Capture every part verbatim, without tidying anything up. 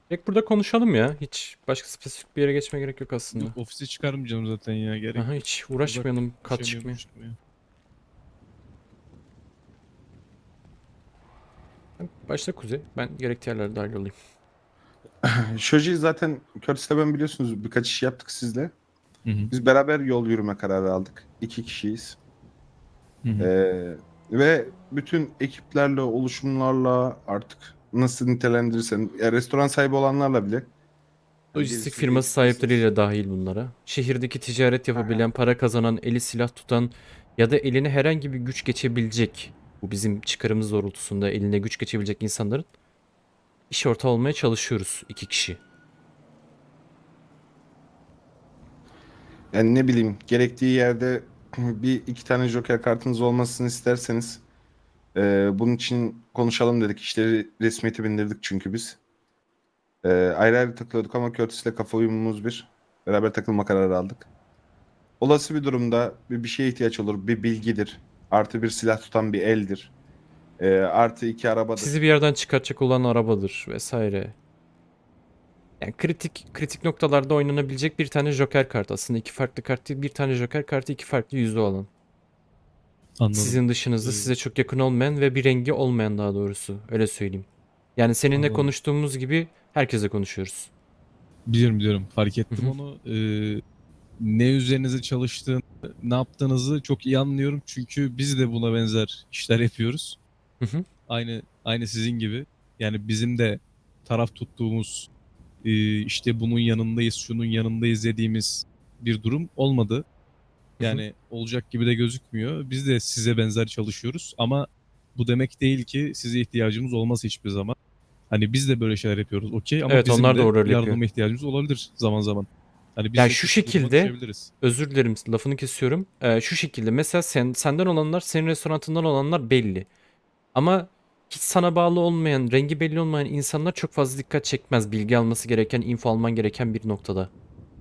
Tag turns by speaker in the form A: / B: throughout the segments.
A: Direkt burada konuşalım ya. Hiç başka spesifik bir yere geçmeye gerek yok aslında.
B: Yok, ofise çıkarmayacağım zaten ya, gerek
A: Aha,
B: yok.
A: hiç
B: Uzak
A: uğraşmayalım kat
B: düşemiyorum
A: çıkmaya.
B: çıkmaya.
A: Başta Kuzey. Ben gerekli yerlere dahil olayım.
C: Shoji zaten Curtis'le ben biliyorsunuz birkaç iş yaptık sizle.
B: Hı hı.
C: Biz beraber yol yürüme kararı aldık. İki kişiyiz.
B: Hı hı.
C: Ee, ve bütün ekiplerle, oluşumlarla artık nasıl nitelendirirsen, ya restoran sahibi olanlarla bile. Hani
A: Lojistik
C: gerisi
A: firması
C: değiştirirsiniz.
A: sahipleriyle dahil bunlara. Şehirdeki ticaret
C: Aynen.
A: yapabilen, para kazanan, eli silah tutan ya da eline herhangi bir güç geçebilecek, bu bizim çıkarımız doğrultusunda eline güç geçebilecek insanların iş ortağı olmaya çalışıyoruz iki kişi.
C: Yani ne bileyim gerektiği yerde bir iki tane Joker kartınız olmasını isterseniz e, bunun için konuşalım dedik. İşleri resmiyete bindirdik çünkü biz. E, ayrı ayrı takılıyorduk ama Curtis'le kafa uyumumuz bir. Beraber takılma kararı aldık. Olası bir durumda bir, bir şeye ihtiyaç olur. Bir bilgidir. Artı bir silah tutan bir eldir. E, artı iki
A: Sizi
C: arabadır.
A: bir yerden çıkartacak olan arabadır vesaire. Yani kritik kritik noktalarda oynanabilecek bir tane Joker kartı. Aslında iki farklı kart değil, bir tane Joker kartı, iki farklı yüzü olan.
B: Anladım.
A: Sizin dışınızda
B: Ee,
A: size çok yakın olmayan ve bir rengi olmayan, daha doğrusu. Öyle söyleyeyim. Yani seninle
B: Anladım.
A: konuştuğumuz gibi herkese konuşuyoruz.
B: Biliyorum biliyorum. Fark
A: Hı
B: ettim
A: hı.
B: onu. Ee, ne üzerinize çalıştığını, ne yaptığınızı çok iyi anlıyorum. Çünkü biz de buna benzer işler yapıyoruz.
A: Hı hı.
B: Aynı aynı sizin gibi. Yani bizim de taraf tuttuğumuz, e, işte bunun yanındayız, şunun yanındayız dediğimiz bir durum olmadı.
A: Hı hı.
B: Yani olacak gibi de gözükmüyor. Biz de size benzer çalışıyoruz ama bu demek değil ki size ihtiyacımız olmaz hiçbir zaman. Hani biz de böyle şeyler yapıyoruz, okey, ama
A: Evet,
B: bizim
A: onlar da
B: de
A: o rol yapıyor.
B: yardıma ihtiyacımız olabilir zaman zaman. Hani biz
A: Yani
B: de
A: şu
B: kötü bir duruma
A: şekilde,
B: düşebiliriz.
A: özür dilerim lafını kesiyorum. Ee, şu şekilde mesela sen senden olanlar, senin restoranından olanlar belli. Ama hiç sana bağlı olmayan, rengi belli olmayan insanlar çok fazla dikkat çekmez. Bilgi alması gereken, info alman gereken bir noktada.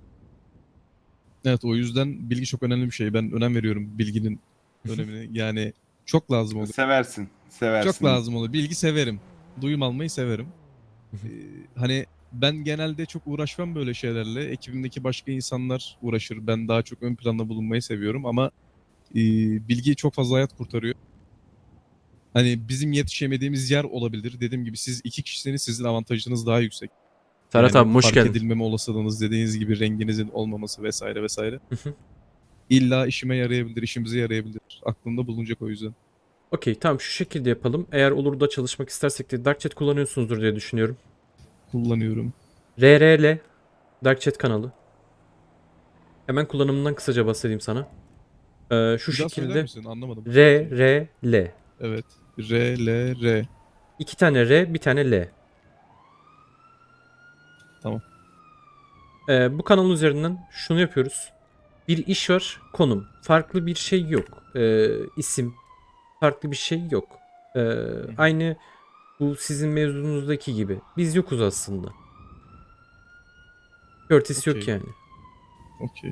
B: Evet, o yüzden bilgi çok önemli bir şey. Ben önem veriyorum bilginin önemine. Yani çok lazım oluyor.
C: Seversin.
B: Çok
C: Seversin.
B: lazım oluyor. Bilgi severim. Duyum almayı severim. Ee, hani ben genelde çok uğraşmam böyle şeylerle. Ekibimdeki başka insanlar uğraşır. Ben daha çok ön planda bulunmayı seviyorum ama e, bilgi çok fazla hayat kurtarıyor. Hani bizim yetişemediğimiz yer olabilir. Dediğim gibi siz iki kişisiniz, sizin avantajınız daha yüksek.
A: Serhat
B: Yani
A: abi hoş
B: fark
A: geldin.
B: edilmeme olasılığınız, dediğiniz gibi renginizin olmaması vesaire vesaire. İlla işime yarayabilir, işimize yarayabilir. Aklımda bulunacak o yüzden.
A: Okey, tamam, şu şekilde yapalım. Eğer olur da çalışmak istersek de Dark Chat kullanıyorsunuzdur diye düşünüyorum.
B: Kullanıyorum.
A: R R L Dark Chat kanalı. Hemen kullanımından kısaca bahsedeyim sana. Ee, şu
B: Bir daha söyler
A: şekilde
B: misin? Anlamadım.
A: R
B: Şey.
A: R L.
B: Evet. R, L, R.
A: İki tane R, bir tane L.
B: Tamam.
A: Ee, bu kanal üzerinden şunu yapıyoruz. Bir iş var, konum. Farklı bir şey yok. Ee, isim, farklı bir şey yok. Ee,
B: Hı hı.
A: aynı bu sizin mevzunuzdaki gibi. Biz yokuz aslında. Curtis yok
B: Okey.
A: yani.
B: Okey.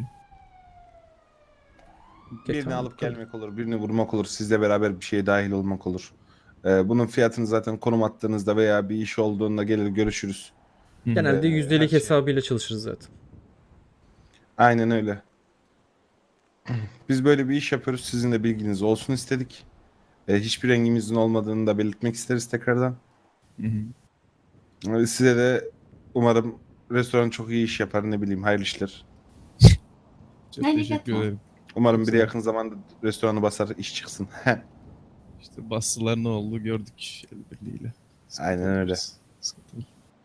A: Okey,
C: Birini
A: tamam, bu
C: alıp
A: kadar.
C: gelmek olur, birini vurmak olur, sizle beraber bir şeye dahil olmak olur. Ee, bunun fiyatını zaten konum attığınızda veya bir iş olduğunda gelir görüşürüz.
B: Hı hı.
A: Genelde
C: Ee, her
A: yüzdelik
C: şey.
A: hesabıyla çalışırız zaten.
C: Aynen öyle. Biz böyle bir iş yapıyoruz. Sizin de bilginiz olsun istedik. Ee, hiçbir rengimizin olmadığını da belirtmek isteriz tekrardan.
B: Hı hı.
C: Ee, size de umarım restoran çok iyi iş yapar, ne bileyim, hayırlı işler.
B: Çok teşekkür ederim. Çok
C: Umarım biri
B: sağ ol.
C: yakın zamanda restoranı basar, iş çıksın.
B: İşte bastılar, ne oldu gördük el birliğiyle.
C: Aynen
B: Sıkıntı
C: öyle.
B: biraz. Sıkıntı.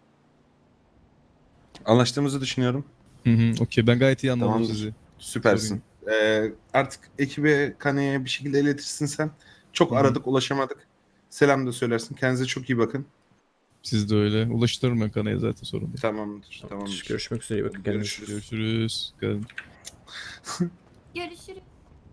C: Anlaştığımızı düşünüyorum.
B: Hı hı. Okey, ben gayet iyi anladım
C: Tamamdır.
B: sizi. Sorun yok.
C: Süpersin. Ee, artık ekibe, Kane'ye bir şekilde iletirsin sen. Çok
B: Hı hı.
C: aradık, ulaşamadık. Selam da söylersin. Kendinize çok iyi bakın.
B: Siz de öyle. Ulaştırırım ben kanaya, zaten sorun değil.
C: Tamamdır.
A: Tamamdır.
C: Tamamdır.
A: Görüşmek üzere. İyi bakın
C: Hadi
A: kendinize.
C: görüşürüz.
B: Görüşürüz. Gel-
D: Görüşürüz.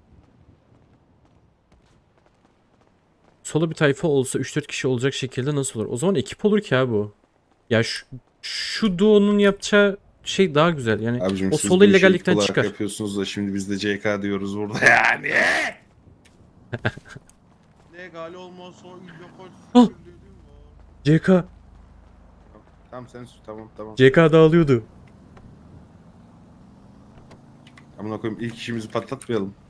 A: Solo bir tayfa olsa üç dört kişi olacak şekilde nasıl olur? O zaman ekip olur ki abi bu. Ya şu, şu duo'nun yapacağı şey daha güzel. Yani
C: Abicim
A: o
C: siz
A: solo
C: bu işi ekip
A: illegallikten
C: olarak
A: çıkar.
C: yapıyorsunuz da şimdi biz de C K diyoruz burada yani.
E: Legal olmazsa illa
A: Ah!
E: kaç
A: C K.
C: Tamam sen sür, tamam tamam.
A: C K dağılıyordu.
C: Amına koyayım ilk işimizi patlatmayalım.